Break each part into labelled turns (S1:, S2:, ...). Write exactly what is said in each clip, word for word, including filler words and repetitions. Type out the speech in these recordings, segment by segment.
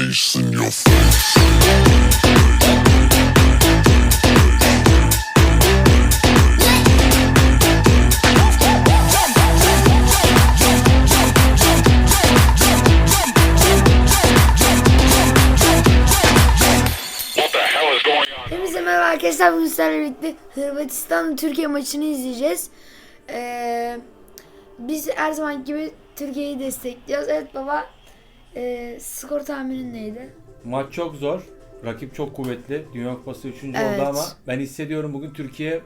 S1: face in your face.
S2: Hepinize merhaba arkadaşlar, bugün sizlerle birlikte Hırvatistan Türkiye maçını izleyeceğiz. Ee, biz her zaman gibi Türkiye'yi destekliyoruz. Evet baba, e, skor tahminin neydi?
S3: Maç çok zor. Rakip çok kuvvetli. Dünya Kupası üçüncü
S2: Evet.
S3: oldu ama ben hissediyorum bugün Türkiye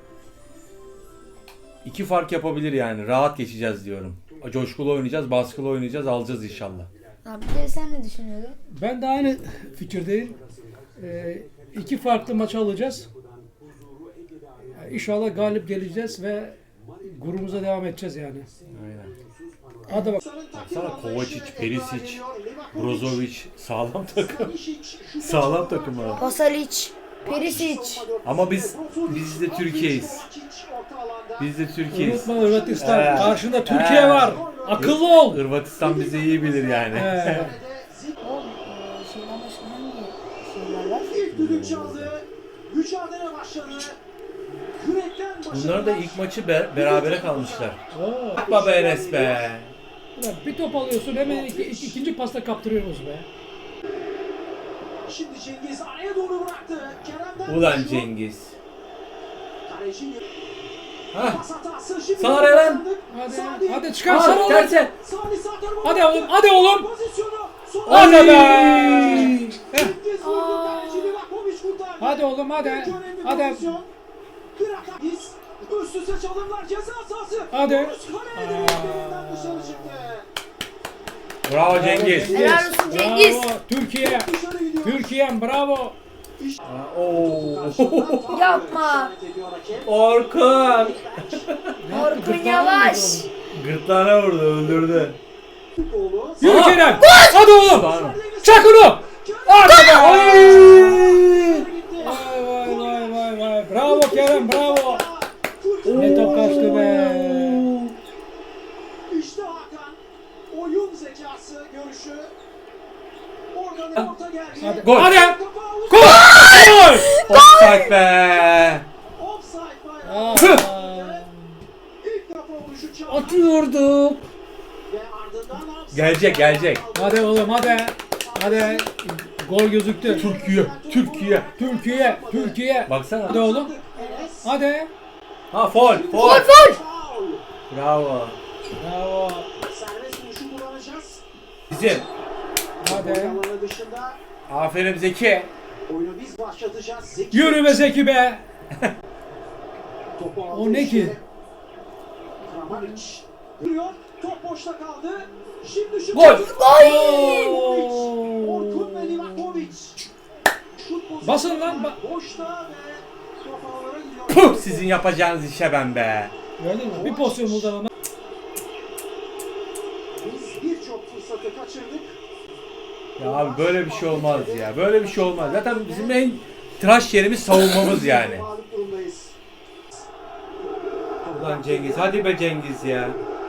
S3: iki fark yapabilir yani. Rahat geçeceğiz diyorum. Coşkulu oynayacağız, baskılı oynayacağız, alacağız inşallah.
S2: Abi de sen ne düşünüyordun?
S4: Ben de aynı fikirdeyim. Ee, iki farklı maç alacağız. İnşallah galip geleceğiz ve grubumuza devam edeceğiz yani.
S3: Aynen.
S4: Hadi bak.
S3: Baksana Kovacic, Perisic, Brozovic sağlam takım. Sağlam takım abi.
S2: Pasalic, Perisic.
S3: Ama biz biz de Türkiye'yiz. Biz de Türkiye'yiz.
S4: Unutma Hırvatistan.
S3: Ee,
S4: Karşında Türkiye
S3: ee.
S4: var. Akıllı ol.
S3: Hırvatistan bizi iyi bilir yani.
S4: Ee,
S2: Oğlum, e, şeyden başka hangi şeyler var?
S5: İlk düdük çaldı. Mücadele başladı. Yürekten başladı.
S3: Bunlar da ilk maçı be- berabere kalmışlar.
S4: oo.
S3: Baba Enes be.
S4: Ulan bir top alıyorsun hemen iki, iki- ikinci pasta kaptırıyoruz be.
S5: Şimdi Cengiz araya doğru bıraktı. Kerem'den
S3: Ulan
S5: koşu.
S3: Cengiz.
S5: Kaleci
S3: Hah.
S5: pas hatası. Şimdi
S3: Sağ Eren.
S4: Hadi,
S5: Sadi.
S4: hadi çıkar
S3: Aa,
S4: sarı oğlum.
S3: terse.
S5: Sadi sağ tarafa
S4: Hadi
S5: bıraktı.
S4: oğlum, hadi oğlum.
S5: Pozisyonu. Sol-
S4: Hadi be.
S5: Cengiz vurdu. Kaleci Livakovic kurtardı.
S4: Hadi oğlum, hadi.
S5: İlk önemli
S4: Hadi.
S5: pozisyon. Krakakis. Üst üste çalımlar ceza sahası.
S4: Hadi.
S5: Vuruş kaleye direklerinden dışarı çıktı.
S3: Bravo Cengiz.
S2: Helal olsun Cengiz.
S4: Bravo Türkiye.
S5: Dışarı gidiyor.
S4: Türkiye'm bravo.
S3: Oo.
S2: Yapma.
S3: Orkun.
S2: Orkun Yavaş.
S3: Gırtlağına vurdu, öldürdü.
S4: Yürü
S3: Aa!
S4: Kerem. Hadi oğlum.
S3: Pardon.
S4: Çak onu. Hadi be.
S5: Vay
S4: Vay vay vay vay vay. Bravo Kerem bravo. Ne top kaçtı be.
S5: İşte Hakan. Oyun zekası görüşü. Oradan orta geldi.
S4: Hadi.
S3: Gol.
S4: Hadi.
S5: Kapağı
S4: Gol. Gol.
S3: Offside be.
S5: offside
S4: Aa.
S5: bayrağı. İlk kafa vuruşu çaldı.
S4: Atıyorduk.
S5: Ve ardından offside
S3: Gelecek, gelecek.
S4: Hadi oğlum hadi. Hadi. Gol gözüktü.
S3: Türkiye, Türkiye.
S4: Türkiye. Türkiye.
S3: Baksana.
S4: Hadi oğlum.
S5: Enes.
S4: Hadi.
S3: Ha foul,
S2: Gol
S3: foul.
S2: gol.
S5: Foul.
S3: Bravo.
S4: Bravo.
S5: Serbest vuruşu kullanacağız.
S3: Bizim.
S4: Hadi.
S5: Alanı dışında
S3: Aferin Zeki.
S5: oyunu biz başlatacağız. Zeki.
S4: Yürü be Zeki be.
S5: Topu aldı
S4: O ne
S5: işte.
S4: ki?
S5: Kramaric. Duruyor. Top boşta kaldı. Şimdi şu
S3: Gol.
S5: Orkun ve Livakovic. Şut pozisyonu
S4: Basın lan, ba-
S5: boşta ve top ağlara gidiyor.
S3: Puh, sizin yapacağınız işe ben be.
S4: Gördün mü? Bir pozisyon buldu ama.
S5: Biz birçok fırsatı kaçırdık.
S3: Ya abi böyle bir şey olmaz ya. Böyle bir şey olmaz. Zaten bizim en tıraş yerimiz savunmamız yani.
S5: Mağlup durumdayız.
S3: Ulan Cengiz, hadi be Cengiz ya.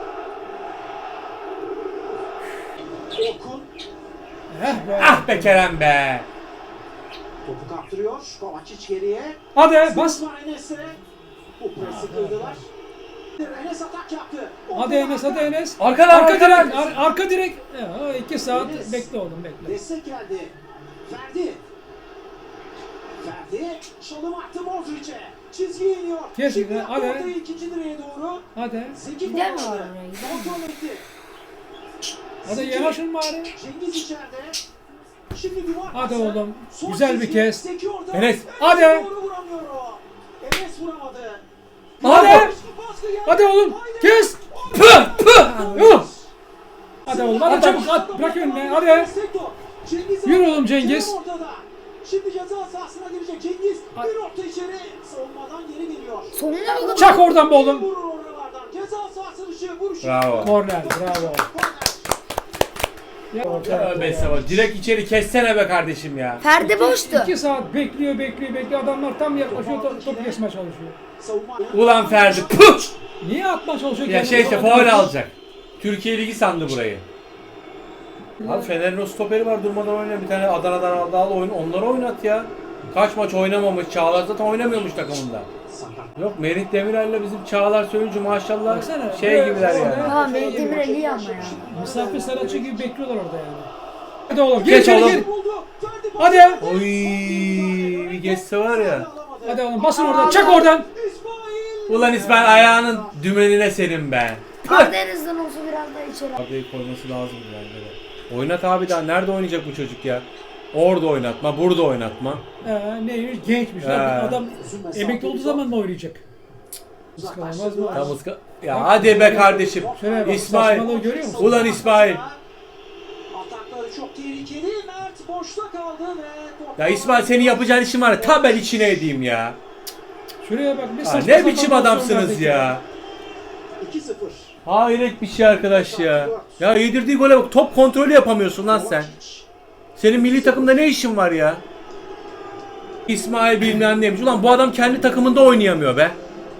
S5: Orkun
S4: Heh be.
S3: Ah be Kerem be.
S5: topu kaptırıyor. Kovacic geriye.
S4: Hadi bas.
S5: Var Enes'e. Bu presi kırdılar. Enes atak yaptı.
S4: Hadi Enes hadi Enes.
S3: Arkadan,
S4: Arka
S3: arkadan.
S4: direk. Ar- arka direk. Ya, iki saat bekle oğlum bekle.
S5: Destek geldi. Ferdi. Ferdi. Çalım attı Modric'e. Çizgiye iniyor.
S4: Kes,
S5: Şimdi
S4: hadi.
S5: yaptı ortayı ikinci direğe doğru.
S4: Hadi.
S5: Zeki
S2: Gider mi
S5: kullandı.
S2: var oraya, gider mi?
S5: Kontrol etti.
S4: Hadi
S5: Zeki.
S4: yanaşın bari.
S5: Cengiz içeride. Şimdi duvar
S4: Hadi
S5: pası.
S4: oğlum.
S5: Son
S4: Güzel bir
S5: çizgi.
S4: kes.
S5: Zeki orada.
S3: Enes.
S4: Hadi.
S5: Doğru vuramıyor o. Enes vuramadı.
S4: Hadi.
S5: Baskı geldi.
S4: Hadi oğlum.
S5: Haydi.
S4: Kes. Pıh pıh. Yuh. Hadi oğlum hadi çabuk at. Bırak önüne hadi.
S5: Destek top. Cengiz
S4: Yürü
S5: aldı.
S4: oğlum Cengiz.
S5: Kerem ortada. Şimdi ceza sahasına girecek Cengiz. Bir orta içeri. Savunmadan geri geliyor.
S2: Sonuna bakalım.
S4: Çak oradan be oğlum.
S5: Vurur oralardan. Ceza sahası dışı vuruş.
S3: Bravo.
S4: Korner bravo. Ya,
S3: Tövbe estağfurullah. Direkt içeri kessene be kardeşim ya.
S2: Ferdi boştu.
S4: İki saat bekliyor bekliyor bekliyor. Adamlar tam yaklaşıyor top, top kesmeye çalışıyor.
S5: Savunma.
S3: Ulan Ferdi. Puh.
S4: Niye atma çalışıyor?
S3: Ya
S4: kendini?
S3: şey işte faul alacak. Türkiye Ligi sandı burayı. Abi Fener'in o stoperi var durmadan oynayan bir tane Adana'dan aldı al oyun onları oynat ya. Kaç maç oynamamış Çağlar zaten oynamıyormuş takımında. Yok Merih Demirel'le bizim Çağlar Söyüncü maşallah
S4: Baksana,
S3: şey
S4: böyle-
S3: gibiler
S4: böyle-
S3: yani.
S2: Tamam Melih Demirel iyi ama ya.
S4: Misafir sanatçı gibi bekliyorlar orada yani. Hadi oğlum gir
S3: Geç
S4: içeri
S3: oğlum.
S4: gir.
S5: Buldu. Ferdi
S4: Hadi.
S5: Bozkır.
S3: Oy bir geçse var ya.
S5: Alamadı.
S4: Hadi oğlum basın oradan çak oradan.
S5: İsmail.
S3: Ulan İsmail ayağının dümenine senin be.
S2: Arda en azından olsa biraz daha içeri.
S3: Arda'yı koyması lazım bence de. Oynat abi daha nerede oynayacak bu çocuk ya? Orada oynatma, burada oynatma.
S4: Ee, neymiş gençmiş
S3: He.
S4: lan. Adam emekli olduğu zaman mı oynayacak? Kıskanılmaz mı?
S3: Tam ıska... Ya hadi be kardeşim.
S4: Şöyle bak,
S3: İsmail.
S4: saçmalığı görüyor musun?
S3: Ulan İsmail.
S5: Atakları çok tehlikeli. Mert boşta kaldı ve
S3: Ya İsmail senin yapacağın işin var ya tam ben içine edeyim ya.
S4: Şuraya bak bir
S3: Ha,
S4: saçma
S3: ne
S4: sapan
S3: biçim
S4: pozisyon
S3: adamsınız
S4: verdik
S3: ya.
S5: iki sıfır.
S3: Hayret bir şey arkadaş ya. Ya yedirdiği gole bak top kontrolü yapamıyorsun lan sen. Senin milli takımda ne işin var ya? İsmail bilmem neymiş. Ulan bu adam kendi takımında oynayamıyor be.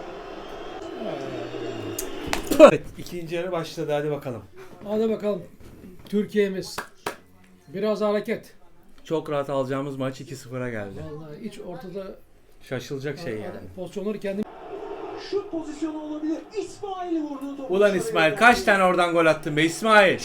S3: Evet, ikinci yarı başladı hadi bakalım.
S4: Hadi bakalım. Türkiye'miz. Biraz hareket.
S3: Çok rahat alacağımız maç iki sıfıra geldi.
S4: Vallahi hiç ortada
S3: Şaşılacak şey yani.
S5: Şut
S4: pozisyonları kendi
S5: Şut pozisyonu olabilir. İsmail vurdu topu.
S3: Ulan İsmail kaç tane oradan gol attın be İsmail?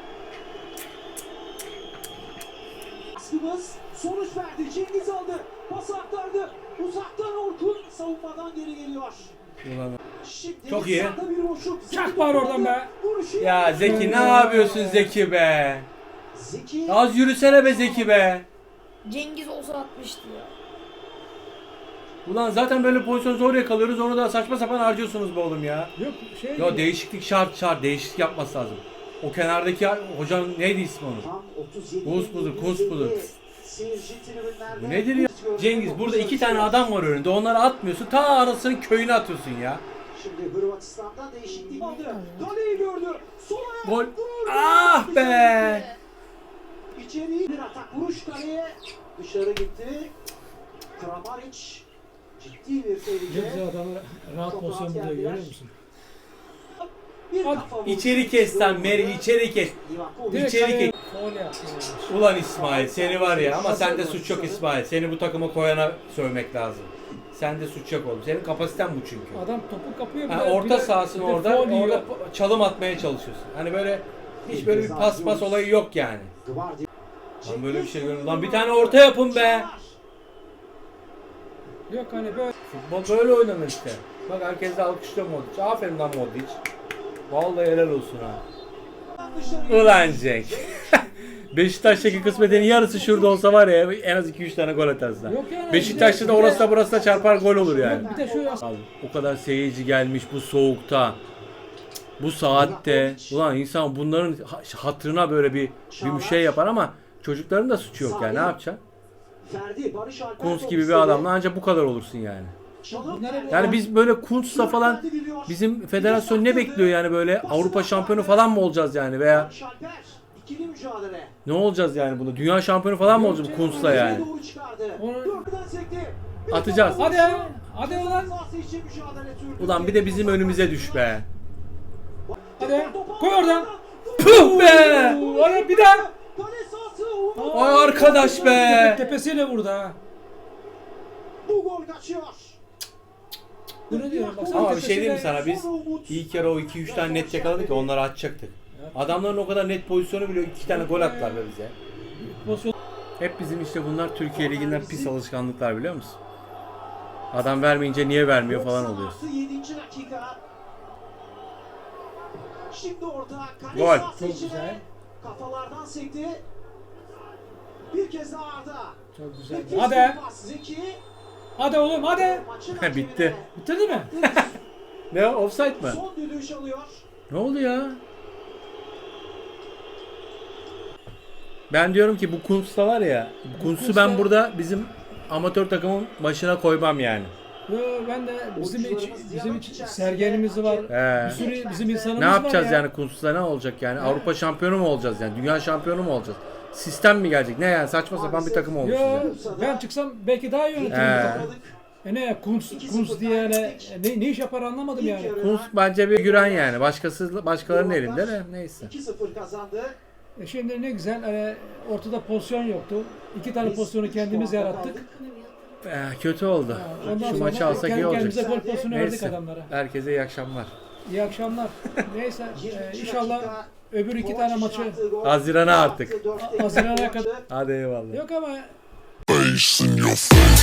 S5: Baskımız sonuç verdi. Cengiz aldı. Pas aktardı. Uzaktan Orkun savunmadan geri geliyor.
S3: Ulan.
S5: Şimdi
S3: Çok iyi.
S5: sağda bir boşluk.
S4: Çak var oradan be.
S5: Vuruşu
S3: Ya Zeki ne yapıyorsun Zeki be?
S5: Zeki.
S3: Az yürüsene be Zeki be.
S2: Cengiz olsa atmıştı ya.
S3: Ulan zaten böyle pozisyon zor yakalıyoruz onu da saçma sapan harcıyorsunuz be oğlum ya.
S4: yok şey.
S3: Ya değişiklik şart şart değişiklik yapması lazım. O kenardaki hocam neydi ismi onun?
S5: Tam otuz yedi.
S3: Kunz budur, Kunz budur.
S5: Seyirci tribünlerde.
S3: Bu nedir ya? Cengiz burada iki tane adam var önünde onları atmıyorsun ta anasının köyüne atıyorsun ya.
S5: Şimdi Hırvatistan'dan değişiklik aldı. Kaleyi gördü. Sol ayak.
S3: Gol.
S5: Vurdu.
S3: Ah be.
S5: İçeri bir atak vuruş kaleye. Dışarı gitti. Kramaric. Ciddi bir
S4: Ne
S5: tehlike.
S4: güzel adamı rahat
S5: Çok
S4: pozisyon
S5: rahat
S4: buluyor
S5: geldiler.
S4: görüyor musun?
S5: Bir
S4: Hadi.
S5: kafa vurdu.
S3: İçeri kes lan Meri içeri kes.
S5: Livakovic.
S4: Direkt
S3: İçeri
S4: kaleye
S3: ke-
S4: faul yaptı.
S3: Ulan İsmail seni var ya ama sende suç yok İsmail. Seni bu takıma koyana sövmek lazım. Sende suç yok oğlum. Senin kapasiten bu çünkü.
S4: Adam topu kapıyor. bir
S3: Ha,
S4: de- bir
S3: orta
S4: de-
S3: sahasın
S4: bir de
S3: orada,
S4: faul yiyor.
S3: orada çalım atmaya çalışıyorsun. Hani böyle hiç böyle bir pas pas olayı yok yani.
S5: Gvardiol.
S3: Lan böyle bir şey görüyorum. Lan bir tane orta yapın be.
S4: Yok hani böyle.
S3: Futbol böyle oynanır işte. Bak herkes de alkışlıyor Modric. Aferin lan Modric. Vallahi helal olsun ha. Ulan Cenk. Beşiktaş'taki kısmetin yarısı şurada olsa var ya en az iki üç tane gol atarsın. ha.
S4: Yok yani,
S3: Beşiktaş'ta da
S4: bir de-
S3: orası da burası da çarpar gol olur yani.
S4: Bir de şu
S3: Abi, o kadar seyirci gelmiş bu soğukta. Bu saatte. Ulan insan bunların ha- hatırına böyle bir bir şey yapar ama çocukların da suçu yok yani ne yapacaksın?
S5: Ferdi, Barış Alper
S3: Kuntz
S5: top
S3: gibi bir
S5: istedi.
S3: adamla ancak bu kadar olursun yani.
S5: Çalım
S4: Bunları-
S5: geldi.
S3: Yani biz böyle Kuntz'la falan bizim federasyon ne bekliyor yani böyle Avrupa şampiyonu falan mı olacağız yani veya
S5: Barış Alper, ikili mücadele.
S3: ne olacağız yani bunu? Dünya şampiyonu falan mı olacağız bu Kuntz'la yani?
S5: Doğru çıkardı.
S4: Onu-
S5: Dörtten sekti. Bir
S3: Atacağız.
S5: kafa
S4: Hadi
S5: vuruşu.
S4: ya, hadi ulan.
S5: Sahası için mücadele sürdü.
S3: Ulan bir de bizim önümüze düş be.
S4: Hadi koy oradan.
S3: Puh be!
S4: Oraya bir daha.
S5: Kale sahası. Umut.
S3: Ay arkadaş be!
S4: Tepesiyle vurdu ha.
S5: Bu gol kaçıyor.
S4: Bu ne diyorum baksana.
S3: Ama bir şey diyeyim mi
S4: tepesiyle-
S3: sana biz ilk yarı o iki üç tane net yakaladık ya onları atacaktık. Adamların o kadar net pozisyonu biliyor iki tane gol attılar be bize.
S4: Pozisyon-
S3: Hep bizim işte bunlar Türkiye Ligi'nden pis alışkanlıklar biliyor musun? Adam vermeyince niye vermiyor falan oluyor.
S5: yedinci dakika. Şimdi orada kale
S3: Gol.
S5: sahası
S4: Çok
S5: içine
S4: güzel.
S5: kafalardan sekti. Bir kez daha Arda.
S4: Çok güzel.
S5: Nefis
S4: Hadi.
S5: bir pas. Zeki.
S4: Hadi oğlum hadi.
S5: Maçın
S3: Bitti.
S5: hakemine
S4: Bitirdi mi?
S3: Ne offside mi?
S5: Son düdüğü alıyor.
S3: Ne oldu ya? Ben diyorum ki bu Kuntz'ta var ya, Kuntz'u ben burada bizim amatör takımın başına koymam yani.
S4: Yo, ben de bizim iç, bizim iç sergenimiz var.
S3: He.
S4: Bir sürü bizim insanımız
S3: Ne
S4: var
S3: yapacağız
S4: ya.
S3: yani Kuntz'ta ne olacak yani? Avrupa şampiyonu mu olacağız yani? Dünya şampiyonu mu olacağız? Sistem mi gelecek? Ne yani saçma sapan bir takım olmuşuz
S4: Yo,
S3: yani.
S4: ben çıksam belki daha yönetirim.
S3: He.
S4: E ne Kunz, Kunz diye yani ne, ne iş yapar anlamadım yani.
S3: Kuntz bence bir güren yani. Başkası başkalarının elinde de neyse.
S5: iki sıfır kazandı.
S4: E şimdi ne güzel e, ortada pozisyon yoktu. İki tane pozisyonu kendimiz yarattık.
S3: Eh, kötü oldu.
S4: Ondan
S3: Şu
S4: sonra
S3: maçı alsak iyi
S4: kendi
S3: olacak.
S4: kendimize gol pozisyonu verdik
S3: Neyse.
S4: adamlara.
S3: Herkese iyi akşamlar.
S4: İyi akşamlar. Neyse e, inşallah öbür iki tane maçı
S3: Haziran'a artık.
S4: Haziran'a kadar.
S3: Hadi eyvallah.
S4: Yok ama
S1: Face in your face.